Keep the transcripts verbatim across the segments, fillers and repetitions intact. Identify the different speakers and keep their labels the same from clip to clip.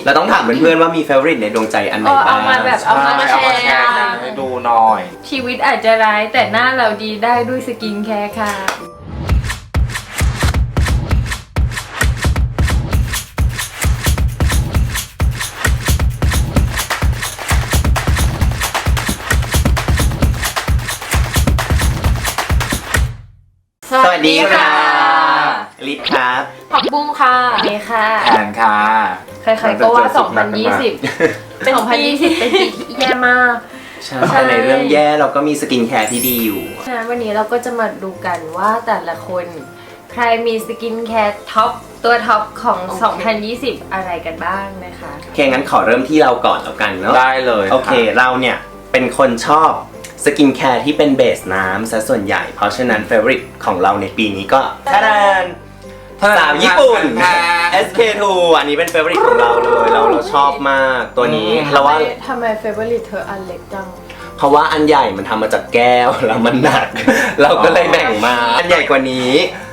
Speaker 1: เราต้องถามเพื่อนๆว่ามีเฟเวอริตในดวงใจอันไหนบ้าง
Speaker 2: เอามาแบบเอามาแชร์
Speaker 3: ให้ดูหน่อย
Speaker 2: ชีวิตอาจจะร้ายแต่หน้าเราดีได้ด้วยสกินแคร์ค่ะ
Speaker 1: สวัสดีค่ะลิศครับ
Speaker 2: ผักบุ้งค่ะเมย์ค่ะ
Speaker 3: แอนค่ะ
Speaker 2: ใครๆก็ว่าสองพันยี่สิบเป็นสองพันยี่สิบเป็นปีที่แย่มาก
Speaker 1: ใช่ในเรื่องแย่เราก็มีสกินแคร์ที่ดีอยู่
Speaker 2: ฉะนั้นวันนี้เราก็จะมาดูกันว่าแต่ละคนใครมีสกินแคร์ท็อปตัวท็อปของสองพันยี่สิบอะไรกันบ้างนะคะ
Speaker 1: โอเคงั้นขอเริ่มที่เราก่อนแล้วกันเนาะ
Speaker 3: ได้เลย
Speaker 1: โอเคเราเนี่ยเป็นคนชอบสกินแคร์ที่เป็นเบสน้ำซะส่วนใหญ่เพราะฉะนั้นเฟเวอริตของเราในปีนี้ก็ทาดานสาวญี่ปุ่น เอส เค ทู อันนี้เป็นเฟเวอริตของเราเลยเราเราชอบมากตัวนี้เราว่า
Speaker 2: ทำไมเฟเวอริตเธออันเล็กจัง
Speaker 1: เพราะว่าอันใหญ่มันทำมาจากแก้วแล้วมันหนักเราก็เลยแบ่งมาอันใหญ่กว่านี้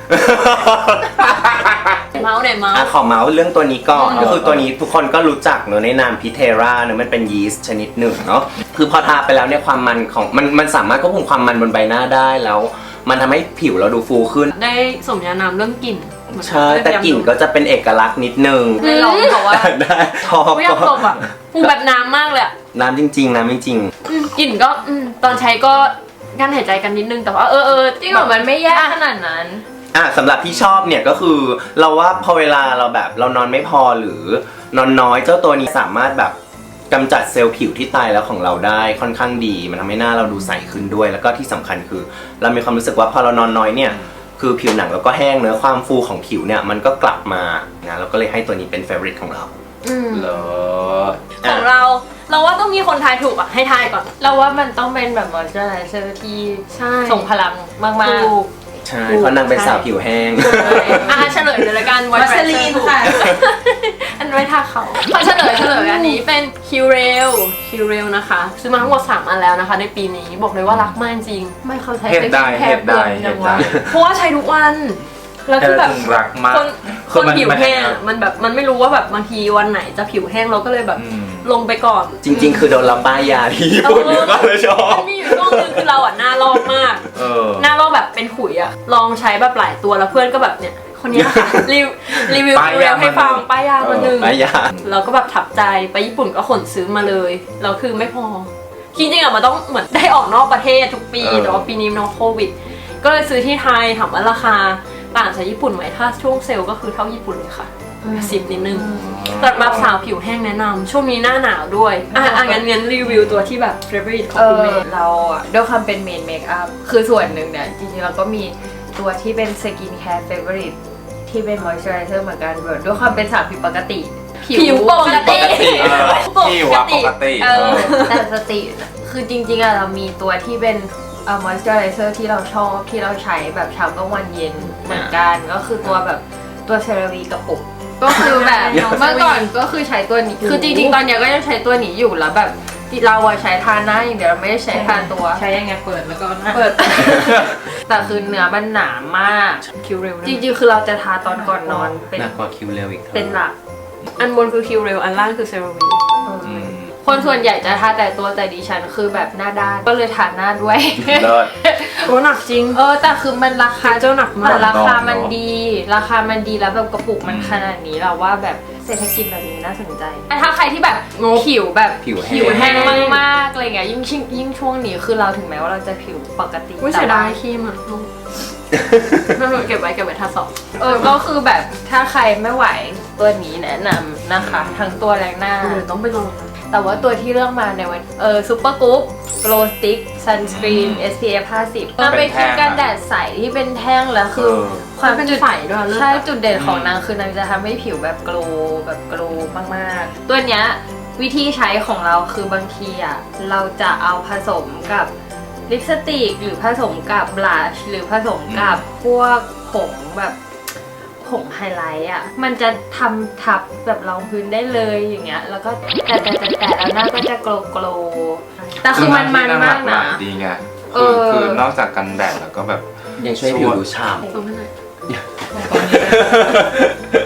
Speaker 2: เมาส์ไหนเมาส์
Speaker 1: อ่ะขอเมาส์เรื่องตัวนี้ก่อนก็คือตัวนี้ทุกคนก็รู้จักเนอะในนามพิเทราเนอะมันเป็นยีสต์ชนิดหนึ่งเนาะคือพอทาไปแล้วเนี่ยความมันของมันมันสามารถควบคุมความมันบนใบหน้าได้แล้วมันทำให้ผิวเราดูฟูขึ้น
Speaker 2: ได้สมญานามเรื่องกลิ่น
Speaker 1: ใช่แต่กลิ่นก็จะเป็นเอกลักษณ์นิดนึง
Speaker 2: ไม่ลองเพราะว่า
Speaker 1: ได้ชอบ
Speaker 2: ไม่อยากตบอ่ะฟูแบบน้ำมากเลย
Speaker 1: น้ำจริงๆน้ำจริง
Speaker 2: ๆกลิ่นก็ตอนใช้ก็กั้นหายใจกันนิดนึงแต่ว่าเออเออจริงเหรอมันไม่แย่ขนาดนั้น
Speaker 1: อ่ะสำหรับที่ชอบเนี่ยก็คือเราว่าพอเวลาเราแบบเรานอนไม่พอหรือนอนน้อยเจ้าตัวนี้สามารถแบบกำจัดเซลล์ผิวที่ตายแล้วของเราได้ค่อนข้างดีมันทำให้หน้าเราดูใสขึ้นด้วยแล้วก็ที่สำคัญคือเรามีความรู้สึกว่าพอเรานอนน้อยเนี่ยคือผิวหนังเราก็แห้งเนื้อความฟูของผิวเนี่ยมันก็กลับมานะเราก็เลยให้ตัวนี้เป็นเฟเวอริตของเรา
Speaker 3: เหรอ
Speaker 2: ของเราเราว่าต้องมีคนทายถูกอ่ะให้ทายก่อนเราว่ามันต้องเป็นแบบมอยเจอร์ไรเซอร์ที่ส่งพลังมากๆ
Speaker 1: ใช่เพราะนางเป็นสาวผิวแห้ง
Speaker 2: อ่ะเฉลยเลยละกันวัสลีนค่ะอันไว้ทาเขาพอเฉลยเฉลยอันนี้เป็นคิวเรลคิวเรลนะคะซื้อมาทั้งหมดสามอันแล้วนะคะในปีนี้บอกเลยว่ารักมากจริงไม่เขาใช้
Speaker 3: เป็นแค่เปลือก
Speaker 2: จังวะเพราะว่าใช้ทุกวันแล้วคือแบบคนคนผิวแห้งมันแบบมันไม่รู้ว่าแบบบางทีวันไหนจะผิวแห้งเราก็เลยแบบลงไปก่อน
Speaker 1: จริงๆคือโดนเราป้ายยาที่ญี่ปุ่นก็เลยชอบ
Speaker 2: มีอยู่ช่วงนึงคือเราอ่ะหน้าลอกมากหน้าลอกแบบเป็นขุยอ่ะลองใช้แบบหลายตัวแล้วเพื่อนก็แบบเนี่ยคนนี้ค่ะรีวิวรีวิวให้ฟังป้ายยามาหนึ่งเราก็แบบถับใจไปญี่ปุ่นก็ขนซื้อมาเลยเราคือไม่พอจริงๆอ่ะมันต้องเหมือนได้ออกนอกประเทศทุกปีแต่ว่าปีนี้น้องโควิดก็เลยซื้อที่ไทยถามว่าราคาต่างจากญี่ปุ่นไหมถ้าช่วงเซลล์ก็คือเท่าญี่ปุ่นเลยค่ะสิบนิดนึงสำหรับสาวผิวแห้งแนะนำช่วงนี้หน้าหนาวด้วยอ่ะงั้นงั้นรีวิวตัวที่แบบ favorite ของคุณเมย์เราอ่ะด้วยความเป็นเมนเมคอัพคือส่วนหนึ่งเนี่ยจริงๆเราก็มีตัวที่เป็นสกินแคร์ favorite ที่เป็น moisturizer เหมือนกันด้วยความเป็นสาวผิวปกติผิวปกติ
Speaker 3: ผิวปกติ
Speaker 2: แต่สติคือจริงๆอ่ะเรามีตัวที่เป็นเอ่อ moisturizer ที่เราชอบที่เราใช้แบบเช้ากลางวันเย็นเหมือนกันก็คือตัวแบบตัวเซราวีกระปุกก็คือแบบเมื่อก่อนก็คือใช้ตัวนี้คือจริงๆตอนนี้ก็ยังใช้ตัวนี้อยู่แล้วแบบเราอะใช้ทาหน้าอย่างเดียวเราไม่ได้ใช้ทาตัว
Speaker 4: ใช้ยังไงเปิดแล้วก็
Speaker 2: เปิดแต่คือเนื้อมันหนามากคิวเรลจริงๆคือเราจะทาตอนก่อนนอน
Speaker 1: เป็นหนักกว่าคิวเรลอีก
Speaker 2: เป็นหลักอันบนคือคิวเรลอันล่างคือเซราวีคนส่วนใหญ่จะทาแต่ตัวแต่ดิฉันคือแบบหน้าด้านก็เลยทาหน้าด้วยโอ้หนักจริงเออแต่คือมันราคา
Speaker 4: เจ้าหนักมาก
Speaker 2: ราคามันดีราคามันดีแล้วแบบกระปุกมันขนาดนี้เราว่าแบบเศรษฐกิจแบบนี้น่าสนใจแต่ถ้าใครที่แบบผิวแบบผิวแห้งมากๆอะไรเงี้ยยิ่งยิ่งช่วงนี้คือเราถึงแม้ว่าเราจะผิวปกติ
Speaker 4: แต่ได้ครีมอ่ะ
Speaker 2: เก็บไว้เก็บไว้ทาสอบเออก็คือแบบถ้าใครไม่ไหวตัวนี้แนะนำนะคะทั้งตัวแรงหน้า
Speaker 4: ต้องไปลอง
Speaker 2: แต่ว่าตัวที่เลือกมาในวันเออซูเปอร์กรุ๊ปโกลสติ๊กซันสกรีน เอส พี เอฟ ห้าสิบมันเป็นครีมกันแดดใสที่เป็นแท่งแล้วคือความ
Speaker 4: เป็นใสด้วย
Speaker 2: ใช่จุดเด่นของนางคือนางจะทำให้ผิวแบบโกลแบบโกลมากๆตัวเนี้ยวิธีใช้ของเราคือบางทีอ่ะเราจะเอาผสมกับลิปสติกหรือผสมกับบลัชหรือผสมกับพวกผงแบบผงไฮไลท์อ่ะมันจะทำทับแบบรองพื้นได้เลยอย่างเงี้ยแล้วก็แต่แต่แต่แต่แล้วหน้าก็จะโกลโกลแต่คือมันมันมากนะ
Speaker 3: ดีไงคือคือนอกจากกันแดดแล้วก็แบบ
Speaker 1: ยังช่วยผิวดูฉ่ำ
Speaker 2: คือ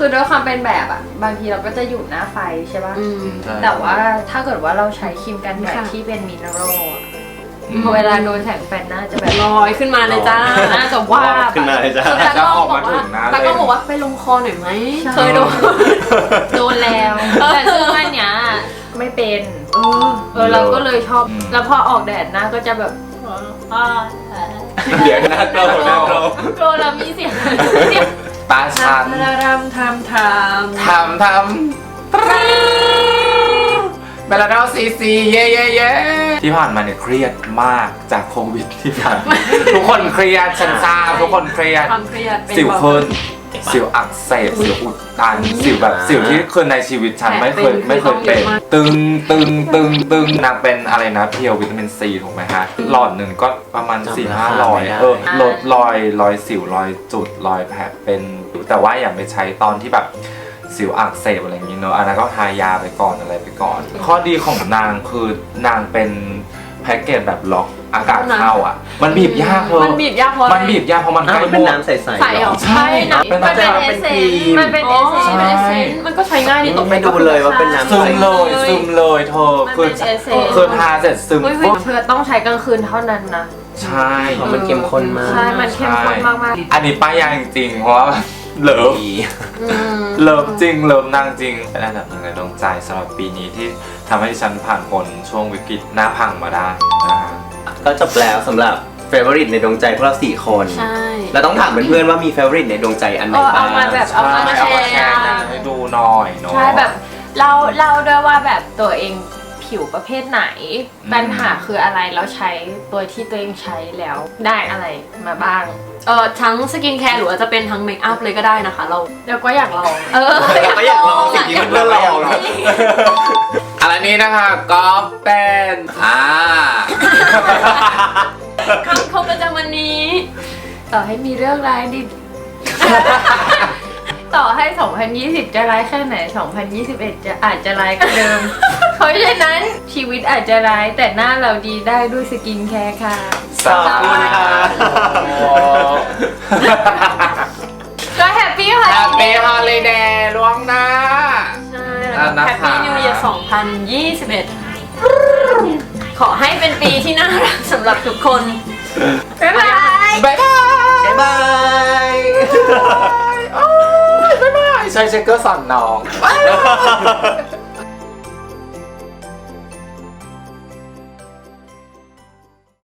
Speaker 5: คือด้วยความเป็นแบบอ่ะบางทีเราก็จะอยู่หน้าไฟใช่ป่ะ
Speaker 2: อืม
Speaker 3: ใช่
Speaker 5: แต่ว่าถ้าเกิดว่าเราใช้ครีมกันแดด
Speaker 2: ค่ะ
Speaker 5: ที่เป็นมินเนอรัลอะ
Speaker 3: อืม
Speaker 5: พอเวลาโดนแสงแฟลชหน้าจะแบบ
Speaker 2: ลอยขึ้นมาเลยจ้า
Speaker 5: น่าจะว่า
Speaker 1: ขึ้นมาเลยจ้า
Speaker 2: คือตากล้องบอกว่า
Speaker 3: จะออกมาถึงหน้าเลย
Speaker 2: ตากล้องบอกว่าไปลงคอหน่อยไหม
Speaker 5: ใช่
Speaker 2: เคยโดน
Speaker 5: โดนแล้ว แต่ซึ่งอันเนี้ยไม่เป็น
Speaker 2: เออ
Speaker 5: เออเราก็เลยชอบ
Speaker 3: อืม
Speaker 5: แล้วพอออกแดดหน้าก็จะแบบอ่า
Speaker 1: เดี๋ยวหน้าโกรธหน้าโกรธ
Speaker 5: โกรธแล้วมีเสียงเสียง
Speaker 3: ตาชัน
Speaker 2: ทำทำทำท
Speaker 3: ทำทำเบลาดอลซีซีเย่เย่เย่ที่ผ่านมาเนี่ยเครียดมากจากโควิดที่ผ่านมาทุกคนเครียดฉันทราบทุกคนเครียด
Speaker 2: ำความเครียดเป็น
Speaker 3: สิว
Speaker 2: เบา
Speaker 3: ขึ้นสิวอักเสบสิวอุดตันสิวแบบสิวที่เคยในชีวิตฉันไม่เคยไม่เคยเป็น ตึงตึงตึงตึงนางเป็นอะไรนะเพียววิตามินซีถูกไหมฮะหลอดหนึ่งก็ประมาณ
Speaker 1: จำ
Speaker 3: สี่
Speaker 1: รา
Speaker 3: ห้า
Speaker 1: คา
Speaker 3: ร้อย
Speaker 1: ไม่ได้
Speaker 3: เออลดรอยรอยสิวรอยจุดรอยแผลเป็นแต่ว่าอย่าไปใช้ตอนที่แบบสิวอักเสบอะไรอย่างนี้เนอะอันนั้นก็ทายาไปก่อนอะไรไปก่อน ข้อดีของนางคือนางเป็นแพ็กเกจแบบล็อกอากาศเข้าอ่ะ มันบีบยากเลย
Speaker 2: มันบีบยากเพราะอะไร
Speaker 3: มันบีบยากเพราะมัน
Speaker 1: อ้าว
Speaker 3: ใกล้
Speaker 1: มันเป็น
Speaker 3: หมด
Speaker 1: น้ำใสๆ
Speaker 2: ใส่เหรอ
Speaker 3: ใช่นะเป็น
Speaker 5: มันเป็น
Speaker 3: น้ำ
Speaker 5: เอ
Speaker 1: เป็น
Speaker 5: เซ
Speaker 1: ครี
Speaker 5: น
Speaker 1: ม
Speaker 5: มันเป็น
Speaker 2: อ๋
Speaker 5: เอ
Speaker 2: อ
Speaker 5: เซน
Speaker 2: เป็นเอเซนมันก็ใช้ง่ายดีตก
Speaker 1: ไม่ดูเลยว่าเป็นน้ำ
Speaker 3: ซึมเลย
Speaker 2: ใส่
Speaker 3: ซึมเลยเธอ
Speaker 5: มัน
Speaker 3: คือ
Speaker 5: เป็นเอเซน
Speaker 3: คือทาเสร็จซึม
Speaker 2: เฮ้ยเฮ้ย
Speaker 3: ปุ๊บ
Speaker 5: เธอต้องใช้กลางคืนเท่านั้นนะ
Speaker 3: ใช่
Speaker 1: เพราะมันเข้มข้นมาก
Speaker 5: ใช่ มันเข้มข้นมากๆ
Speaker 3: อันนี้ป้ายยาจริงๆเพราะว่าเลิฟ
Speaker 1: ดี
Speaker 2: อืม
Speaker 3: เลิฟจริงเลิฟนางจริงเป็นอันดับหนึ่งในดวงใจสำหรับปีนี้ที่ทำให้ดิฉันผ่านพ้นช่วงวิกฤตหน้าพังมาได้นะฮะ
Speaker 1: ก็จบแล้วสำหรับเฟเวอริตในดวงใจพวกเราสี่คน
Speaker 2: ใช่
Speaker 1: เราต้องถามเพื่อนๆว่ามีเฟเวอริตในดวงใจอันไหน
Speaker 5: เออ
Speaker 1: บ้า
Speaker 5: เอา
Speaker 1: ง
Speaker 5: มาแบบเอามา
Speaker 3: ใช่
Speaker 5: แช
Speaker 3: เอามา
Speaker 5: ร์
Speaker 3: แชร์กันให้ดูหน่อยเนาะ
Speaker 5: ใช่แบบเราเราด้วยว่าแบบตัวเองผิวประเภทไหน
Speaker 3: อืม
Speaker 5: ปัญหาคืออะไรแล้วใช้ตัวที่ตัวเองใช้แล้วได้อะไรมาบ้าง
Speaker 2: เออทั้งสกินแคร์หรือว่าจะเป็นทั้งเมคอัพเลยก็ได้นะคะเรา
Speaker 5: แล้วก็อยากลอง
Speaker 2: เออ
Speaker 1: เราก็อยากลองสิ่งที่เพื่อนๆลองนะ
Speaker 3: อะไรนี้นะคะก็เป็นอ่า
Speaker 2: คำคมประจำวันนี้
Speaker 5: ต่อให้มีเรื่องร้ายดิ ต่อให้ สองพันยี่สิบ จะร้ายแค่ไหน สองพันยี่สิบเอ็ด จะอาจจะร้ายกว่าเดิม เพราะฉะนั้นชีวิตอาจจะร้ายแต่หน้าเราดีได้ด้วยสกินแคร์ค่ะ
Speaker 3: สวัสดีค่ะ
Speaker 5: ก็แฮปปี้ค่ะ
Speaker 3: แฮปปี้ฮอลิเดย์ล่วงหน้า
Speaker 2: ใช่
Speaker 3: อ่ะนะคะ
Speaker 2: แฮปปี้นิวเยียร์สองพันยี่สิบเอ็ดขอให้เป็นปีที่น่ารักสำหรับทุกคน
Speaker 5: บ๊ายบาย
Speaker 3: บ๊ายบาย
Speaker 1: บ๊ายบาย
Speaker 3: โอ้ยบ๊ายบายใช้เช็คเกอร์สอนน้อง